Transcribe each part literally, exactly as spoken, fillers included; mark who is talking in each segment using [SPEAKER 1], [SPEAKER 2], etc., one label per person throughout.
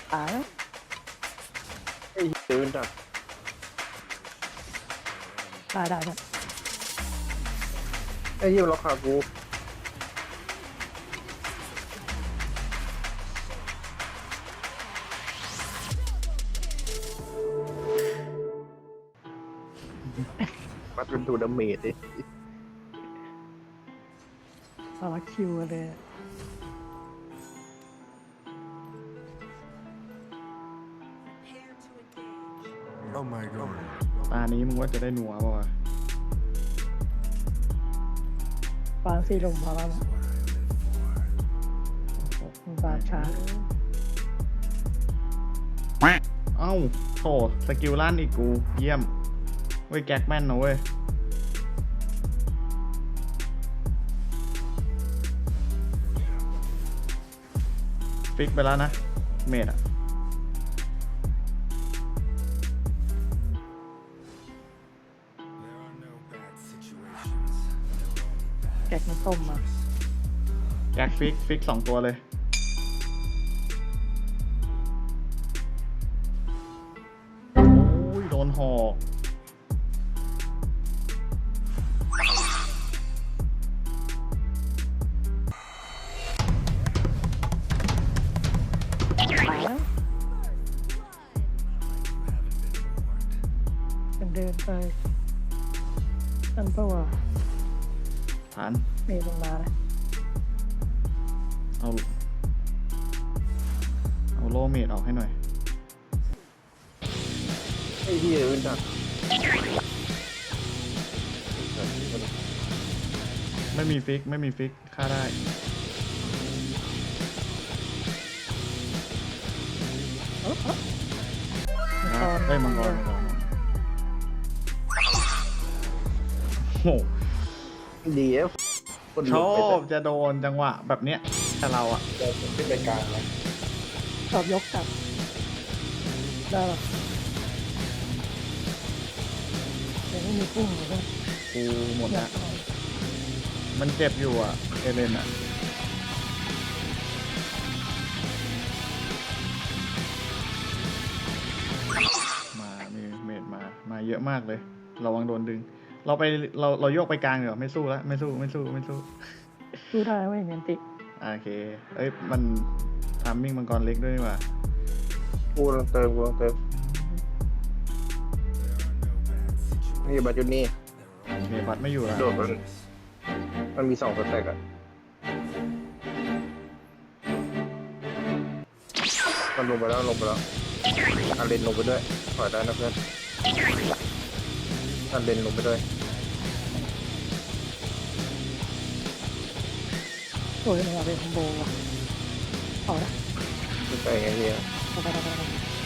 [SPEAKER 1] ตายแล้ว
[SPEAKER 2] ไอ้เดินดัก
[SPEAKER 1] ได้ได้ได้
[SPEAKER 2] ไอ้เหี้ยล็อกขากูปัดเป็นตัวดาเมจดิ
[SPEAKER 1] สารคิวเลย
[SPEAKER 3] Oh my god.
[SPEAKER 4] ตานี้มึงว่าจะได้หนัวป่าวะ
[SPEAKER 1] ปางสี่ลมพอแล้วนะมึงปาช้า
[SPEAKER 4] เอ้าโถสกิลลั่นอีกกู เยี่ยม เว้ยแก๊กแม่นนะเว้ย ฟิกไปแล้วนะ เมดอะ
[SPEAKER 1] แกะน้ำต้มมา
[SPEAKER 4] แก๊กฟิก ฟิกสองตัวเลย โอ้ย โดนหอก
[SPEAKER 1] ตายแล้วเป็นเดินไปอันเปล่าวะ
[SPEAKER 4] ฐาน
[SPEAKER 1] เมย์ลงมาเลย
[SPEAKER 4] เอา เอาโลเมดออกให้หน่อย
[SPEAKER 2] ไอ้เหี้ยเดินดัก
[SPEAKER 4] ไม่มีฟิก ไม่มีฟิก ฆ่าได้ นะได้มังกรมังกรโอ้โห
[SPEAKER 2] ดีเอฟคน
[SPEAKER 4] ช
[SPEAKER 2] ลุก
[SPEAKER 4] อ
[SPEAKER 2] ไป
[SPEAKER 4] บจะโดนจังหวะแบบเนี้ยแต่เราอะ
[SPEAKER 2] แต่ขึ้นไปกลางนะ
[SPEAKER 1] ชอบยกกลับได้หรอแต่ไม่มีกุ้งเลยนะ
[SPEAKER 4] กูหมด
[SPEAKER 1] อยา
[SPEAKER 4] ละ
[SPEAKER 1] กเอา
[SPEAKER 4] มันเจ็บอยู่อะเอเลนอะมามีเมดมา มาเยอะมากเลยระวังโดนดึง เราไปเราเราโยกไปกลางเดี๋ยวไม่สู้แล้วไม่สู้ไม่สู้ไม่สู้
[SPEAKER 1] สู้ได้ไม่เนียนติ
[SPEAKER 4] โอเค เอ้ยมันทามมิ่งมังกรเล็กด้วยนี่หว่า
[SPEAKER 2] กูลองเติมกูลองเติมนี่บัตรจุดนี้
[SPEAKER 4] เมบัตไม่อยู่แล้ว
[SPEAKER 2] โดดมันมันมีสองสเต็กอะมันลงไปแล้วลงไปแล้วอันเลนลงไปด้วยถอยได้นะเพื่อนอันเลนลงไปด้วย
[SPEAKER 1] สวยเลยอะเป็นคอมโบว่ะเอาละ
[SPEAKER 2] ขึ้นไปไงเฮีย
[SPEAKER 1] เอาไปเอาไปเอาไป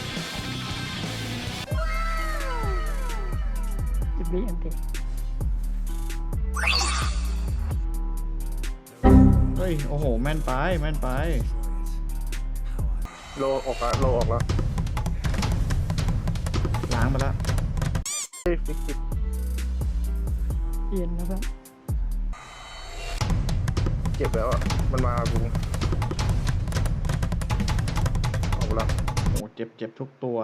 [SPEAKER 1] จิบบี้อันติ
[SPEAKER 4] เฮ้ยโอ้โหแม่นไปแม่นไป
[SPEAKER 2] โลออกละโลออกแล้ว
[SPEAKER 4] ล้างไปแล้ว
[SPEAKER 2] เฮ้ยฟิกฟิก
[SPEAKER 1] เย็นนะเพื่อน
[SPEAKER 2] เจ็บแล้วอ่ะมันมากูออกแล้ว
[SPEAKER 4] โอ้เจ็บเจ็บทุกตัว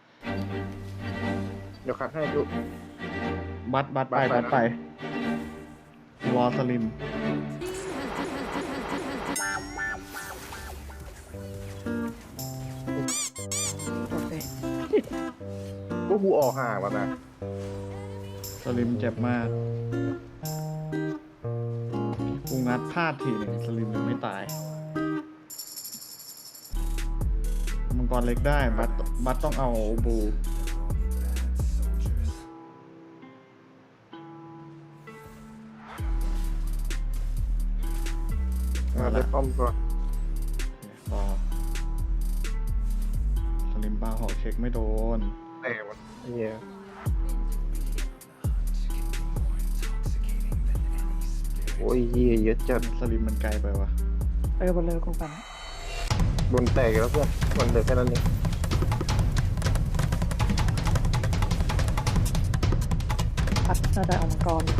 [SPEAKER 2] เดี๋ยวคัดให้ดู
[SPEAKER 4] บัตบัตไป
[SPEAKER 2] บั
[SPEAKER 4] บั
[SPEAKER 2] ต
[SPEAKER 4] ต
[SPEAKER 2] ไป
[SPEAKER 4] ไป
[SPEAKER 2] นะ
[SPEAKER 4] รอสลิม
[SPEAKER 1] โอเค
[SPEAKER 2] พวกกูออกห่างแล้วนะ
[SPEAKER 4] สลิมเจ็บมาก กูงัดพลาดทีหนึ่งสลิมยังไม่ตาย มังกรเล็กได้ บัตบัตต้องเอาบู
[SPEAKER 2] มาได้ป้อมก่อน
[SPEAKER 4] รอสลิมปาหอกเช็คไม่โดน
[SPEAKER 2] แต่มันเฮียโอ้ยเฮียเยอะจัด
[SPEAKER 4] สลิมมันไกลไปวะ
[SPEAKER 1] เออบนเลยกองปัน
[SPEAKER 2] บนแตกแล้วเพื่อนมันเหลือแค่นั้นเอง
[SPEAKER 1] พัดน่าจะเอามังกร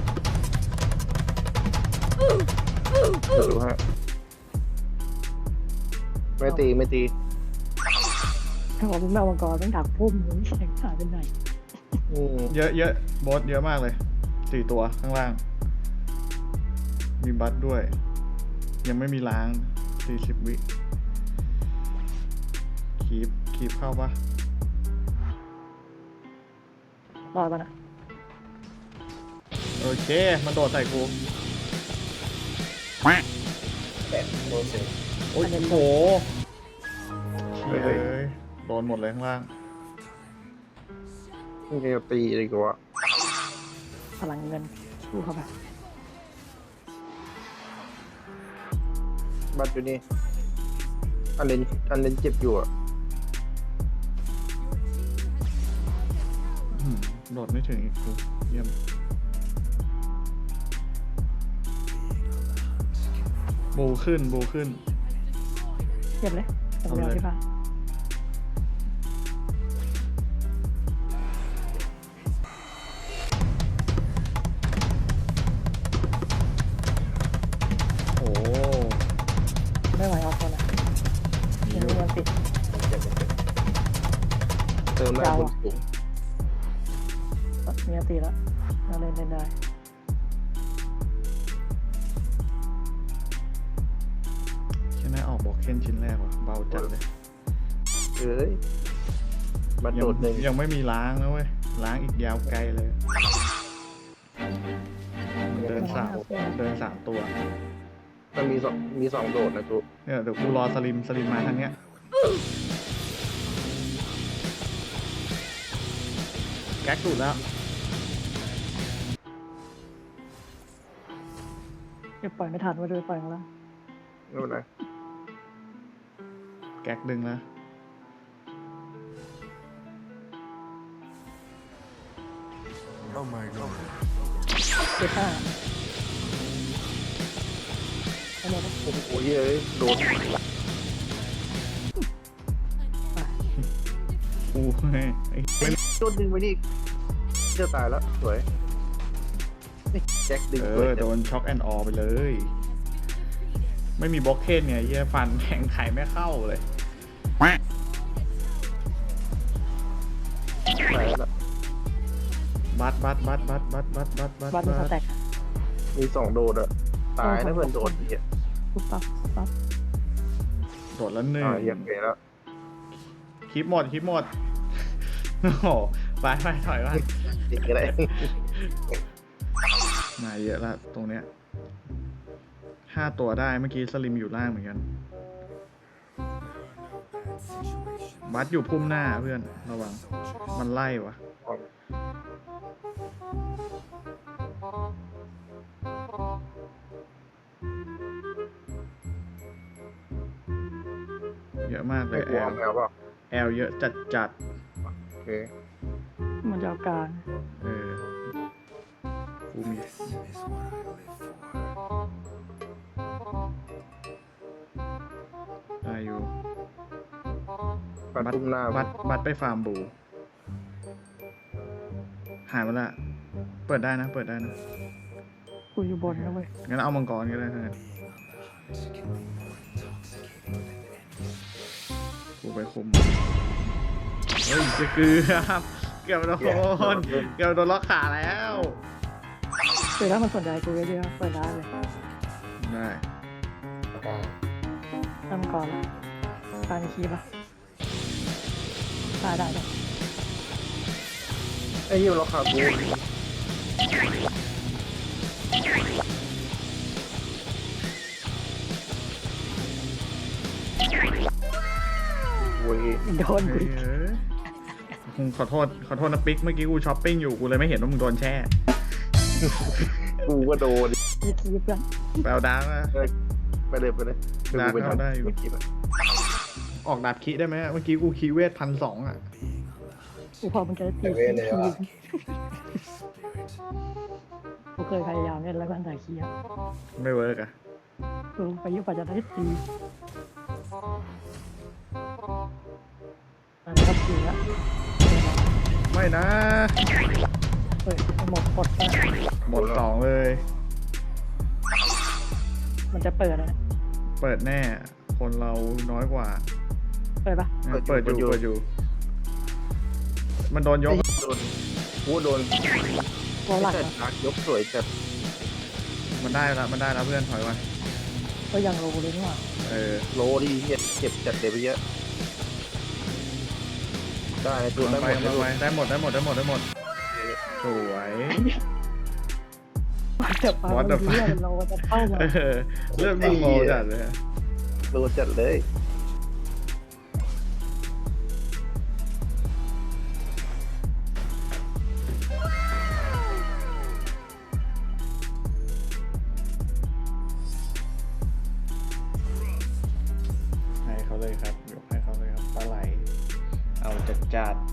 [SPEAKER 2] เดี๋ยวดูฮะไม่ตีไม่ตี
[SPEAKER 1] ถ้าบอกมึงแมวมังกรต้องดักพุ่มมึงแสงหายไปไหน
[SPEAKER 2] อืม
[SPEAKER 4] เยอะเยอะบอสเยอะมากเลยสี่ตัวข้างล่าง มีบัตด้วย ยังไม่มีล้างสี่สิบวิคีบคีบเข้าปะ
[SPEAKER 1] รอดปะนะ
[SPEAKER 4] โอเค มันโดดใส่กู
[SPEAKER 2] แปดโดนเสร็จ
[SPEAKER 4] โอ้ยโหเฮ้ยโดนหมดเลยข้างล่าง
[SPEAKER 2] นี่จะตีดีกว่า
[SPEAKER 1] พลังเงินสู้เข้าไป
[SPEAKER 2] บัตรอยู่นี่อันเลนอันเลนเจ็บอยู่อ่ะ
[SPEAKER 4] อืมโดดไม่ถึงอีกกูเยี่ยมบูขึ้นบูขึ้น
[SPEAKER 1] เก็บเลยผม
[SPEAKER 4] เอา
[SPEAKER 1] เอา
[SPEAKER 4] เลย
[SPEAKER 1] ที่บ้าน
[SPEAKER 4] โอ้
[SPEAKER 1] ไม่ไหวเอาคนละ
[SPEAKER 4] มี
[SPEAKER 1] ยัง
[SPEAKER 4] อ
[SPEAKER 1] มี
[SPEAKER 4] ยู่
[SPEAKER 1] เงินติด
[SPEAKER 2] เติมได้
[SPEAKER 1] ยาว
[SPEAKER 2] บ
[SPEAKER 1] อะ
[SPEAKER 2] นสูง
[SPEAKER 1] มีเงินติดแล้วเราเล่นเล่นได้
[SPEAKER 4] แค่น่าออกบอกเค้นชิ้นแรกว่ะเบาจัดเลย
[SPEAKER 2] เอ้ยบัตร
[SPEAKER 4] ยั
[SPEAKER 2] โดดหนึ่ง
[SPEAKER 4] ยังไม่มีล้างนะเว้ย ล้างอีกยาวไกลเลย เดินสามเดินสามตัว
[SPEAKER 2] มันมีสองมีสองโดดนะจุ
[SPEAKER 4] เนี่ยเดี๋ยวกูรอสลิมสลิมมาทางเนี้ย แก๊กดูดแล้ว
[SPEAKER 1] เก็บปล่อยไม่ทันว่าด้วยปล่อยของเรา
[SPEAKER 2] ไม่เป็นไร
[SPEAKER 4] แก๊กดึงแล้ว
[SPEAKER 3] Oh my god.
[SPEAKER 1] เก็บห้าเอาหมดเลย
[SPEAKER 2] โอ้โหเย้ยโดด
[SPEAKER 4] กูไงไอ้ไม่
[SPEAKER 2] โดนดึงไปนี่จะตายแล้วสวยแจ็คดึง
[SPEAKER 4] เอ
[SPEAKER 2] สวย
[SPEAKER 4] อ
[SPEAKER 2] จั
[SPEAKER 4] โด
[SPEAKER 2] ง
[SPEAKER 4] นช็อกแอนด์ออไปเลย ไม่มีบล็อกเคนไงเหี้ยฟันแทงไข่ไม่เข้าเลย
[SPEAKER 2] ตายแล้ว
[SPEAKER 4] บัตบัตบัตบัตบัตบัตบัตบัต
[SPEAKER 1] บัตรมันสแต็ก
[SPEAKER 2] มีสองโดดอะตายนะเพื่อนโดดเนี่ย
[SPEAKER 1] ปุ๊บปั๊บปุ๊บปั๊บ
[SPEAKER 4] โดดแล้วหนึ่ง
[SPEAKER 2] อ่าเยี่ยมเลยแล้ว
[SPEAKER 4] คลิปหมดคลิปหมด โอ้โหไปไปถอยมา
[SPEAKER 2] ติดอะไร
[SPEAKER 4] มาเยอะละตรงเนี้ยห้าตัวได้เมื่อกี้สลิมอยู่ล่างเหมือนกัน บัตอยู่พุ่มหน้าเพื่อนระวัง มันไล่วะเยอะมากเล
[SPEAKER 2] ไม่
[SPEAKER 4] ย
[SPEAKER 2] กลั
[SPEAKER 4] แอ
[SPEAKER 2] ว
[SPEAKER 4] ล
[SPEAKER 2] แมวเปล่า
[SPEAKER 4] แอลเยอะจัดจัด
[SPEAKER 2] โอเค
[SPEAKER 1] มันจะเอากลาง
[SPEAKER 4] เออกูมี
[SPEAKER 3] Is what I live for.
[SPEAKER 4] ได้อยู่
[SPEAKER 2] ปัดตุ้มหน้า
[SPEAKER 4] บัตบัตไปฟาร์มบู หายไปละเปิดได้นะ เปิดได้นะ
[SPEAKER 1] กูอยู่บนนะเว้ย
[SPEAKER 4] งั้นเอามังกรก็ได้นะกูไปคุม เฮ้ยจะเกือบเกือบโดนเกือบโดนล็อกขาแล้ว
[SPEAKER 1] คือถ้ามันสนใจกูเยอะๆเปิดได้เลย
[SPEAKER 4] ได้
[SPEAKER 1] ทำก่อนละการคีบอ่ะได้ได้ได้
[SPEAKER 2] ไอ้เหี้ยเราขาดกูโว้ย
[SPEAKER 1] โดนกู
[SPEAKER 4] เฮ้ยเอ้ยกูขอโทษขอโทษนะปิ๊กเมื่อกี้กูช้อปปิ้งอยู่กูเลยไม่เห็นว่ามึงโดนแช่
[SPEAKER 2] กูก็โดน
[SPEAKER 1] มีคีบกัน
[SPEAKER 4] แปลวดาร์กนะ
[SPEAKER 2] ไปเลยไปเลย
[SPEAKER 4] ดาร์กเข้าได้อยู่
[SPEAKER 2] เมื่อกี้แบบ
[SPEAKER 4] ออกดาบคีได้ไหมเมื่อกี้กูคีเวทพันสองอ่ะ
[SPEAKER 1] กูพอมันจะตีคีบกูเคยพยายามเล่นแล้วก็อันถ่ายคีบ
[SPEAKER 4] ไม่เวิร์กอ่ะ
[SPEAKER 1] กูไปยุบปัจจัยตีมันก็ตีแล้ว
[SPEAKER 4] ไม่นะ
[SPEAKER 1] เฮ้ยหมดกดไป
[SPEAKER 4] หมดสองเลย
[SPEAKER 1] มันจะเปิดนะ
[SPEAKER 4] เปิดแน่ คนเราน้อยกว่า
[SPEAKER 1] เปิดปะ
[SPEAKER 4] เปิดอยู่เปิดอยู่ มันโดนยก
[SPEAKER 2] โดนวูโดน
[SPEAKER 1] ตัวหลัก
[SPEAKER 2] แต่
[SPEAKER 1] อะ
[SPEAKER 2] ดักยกสวยจัด
[SPEAKER 4] มันได้แล้วมันได้แล้วเพื่อนถอยมา
[SPEAKER 1] ก็ยังโลเลยนี่หว่า
[SPEAKER 4] เออ
[SPEAKER 2] โลดีเหี้ยเจ็บจัดเลยไปเยอะได้ตัว
[SPEAKER 4] กำลั
[SPEAKER 2] ได้
[SPEAKER 4] ง
[SPEAKER 2] ห
[SPEAKER 4] ไป
[SPEAKER 2] มด
[SPEAKER 4] กำลังไปได้หมดได้หมดได้หมดได้หมดสวย
[SPEAKER 1] แต่ปลา
[SPEAKER 4] What
[SPEAKER 1] เรา
[SPEAKER 4] the
[SPEAKER 1] เลือดเราจะเข้ามา
[SPEAKER 4] เออเลือดมึงโมจัดเลยอะ
[SPEAKER 2] โลจัดเลย
[SPEAKER 4] ให้เขาเลยครับยกให้เขาเลยครับปลาไหล เอาจัดจัด